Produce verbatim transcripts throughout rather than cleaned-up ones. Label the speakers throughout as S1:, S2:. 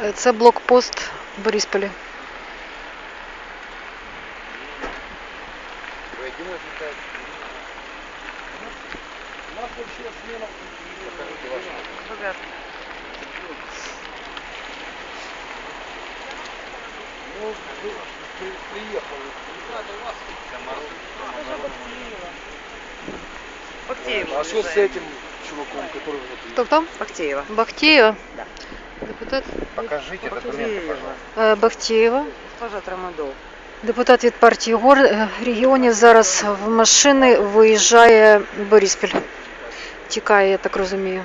S1: Це блокпост в Борисполі.
S2: Бахтеева.
S3: А что с этим чуваком, который внутри?
S1: Хто там?
S2: Бахтеева.
S1: Бахтеєва.
S2: Да.
S1: Депутат
S3: Покажите документы, пожалуйста.
S1: Е, Бахтеєва.
S2: Госпожа Трамадол.
S1: Депутат від партії Гор регіонів зараз в машини виїжджає в Бориспіль. Тікає, я так розумію,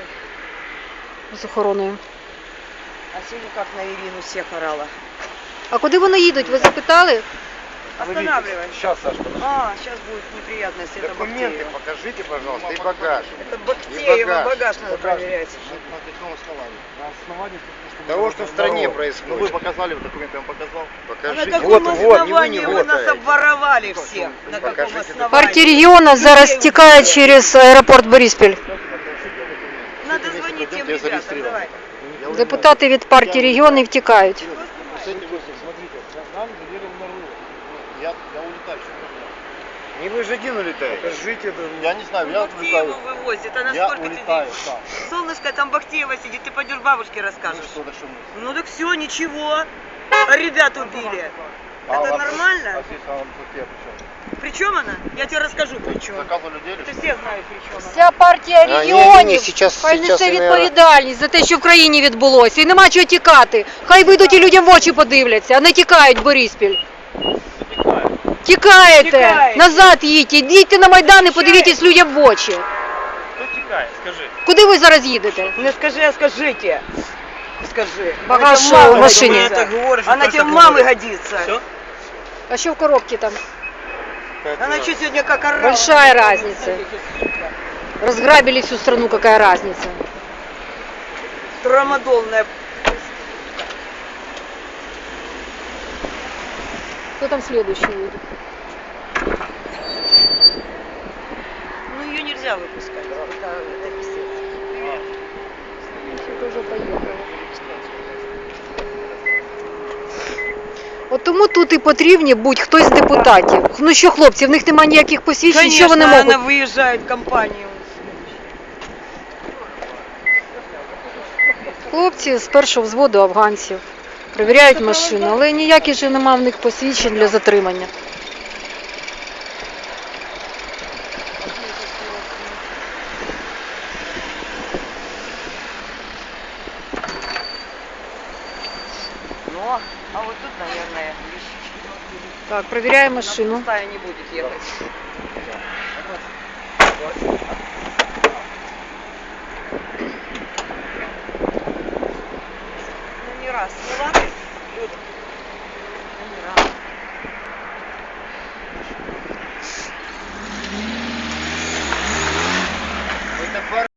S1: з охороною.
S2: А сегодня как на Ирину всех орала.
S1: А куди вони їдуть? Ви запитали?
S2: Останавливай.
S3: Сейчас, Саш, подожди.
S2: А, сейчас будет неприятность. Это
S4: Документы
S2: Бахтеева.
S4: покажите, пожалуйста, и багаж.
S2: Это Бахтеева,
S4: багаж.
S2: багаж надо проверять.
S4: На каком основании?
S3: На основании
S4: Того, что в стране
S3: народ.
S4: происходит.
S5: Ну вы показали, документы я вам показал.
S2: А на
S4: Покажите.
S2: каком
S4: Вот, вот, не вы не
S2: основании вы
S4: вот.
S2: нас обворовали всех? На каком
S4: Покажите
S2: основании?
S1: Партія регіону зараз тікає через аеропорт Бориспіль.
S2: Надо звонить тем
S5: Я
S2: ребятам,
S5: зарегистрирован.
S2: давай.
S1: Депутати від партії регіонів тікають.
S3: Смотрите, нам доверил народ.
S5: Я, я улетаю.
S4: Не вы же один улетаете.
S3: Покажите это.
S5: Я не знаю, я
S2: Бахтееву
S5: улетаю.
S2: вывозит, а на
S5: Я
S2: сколько
S5: улетаю,
S2: тебе?
S5: да.
S2: Солнышко, там Бахтеева сидит, ты пойдешь бабушке
S5: Ну
S2: расскажешь.
S5: что, да что мы?
S2: Ну так все, ничего. А ребят убили.
S5: А,
S2: Это
S5: а-
S2: нормально?
S5: А здесь а, тут я при чем?
S2: При чем она? Я тебе расскажу при чем.
S5: Заказывали людей?
S2: Ты все знаешь при чем она.
S1: Вся партія
S4: А, ні, ні, ні,
S1: регіонів
S4: сейчас-
S1: хай
S4: сейчас
S1: несе
S4: і не-
S1: відповідальність за те, що в країні відбулося. І нема чого тікати. Хай вийдуть і людям в очі подивляться, а не тікають в Бориспіль. Тікаєте!
S2: Тікаєте.
S1: Назад їдьте, йдіть на Майдан і подивіться людям в очі.
S6: Хто тікає, скажи.
S1: Куди ви зараз їдете?
S2: Не скажи, а скажите. Скажи.
S1: Багаж
S2: Она тебе мамы
S1: в машине.
S2: годится.
S6: Это говоришь,
S2: Она
S6: только
S2: тебе
S6: говоришь.
S2: мамы годится.
S6: Все?
S1: А що в коробці там?
S2: Она что сегодня как орала?
S1: Большая разница. Разграбили всю страну, какая разница.
S2: Трамадолная.
S1: Кто там следующий едет?
S2: Ну ее нельзя выпускать. Это, это писец. Привет.
S1: Все уже поїхали. От тому тут і потрібні будь-хто з депутатів. Ну що, хлопці, в них немає ніяких посвідчень, що вони
S2: Конечно,
S1: можуть?
S2: она выезжает в компанию.
S1: Хлопці з першого взводу афганців перевіряють машину, але ніяких же немає в них посвідчень для затримання.
S2: Ну, а вот тут, наверное, вещички.
S1: Так, перевіряємо машину.
S2: Пустая не будет ехать. Ну не раз. Ну ладно, люди.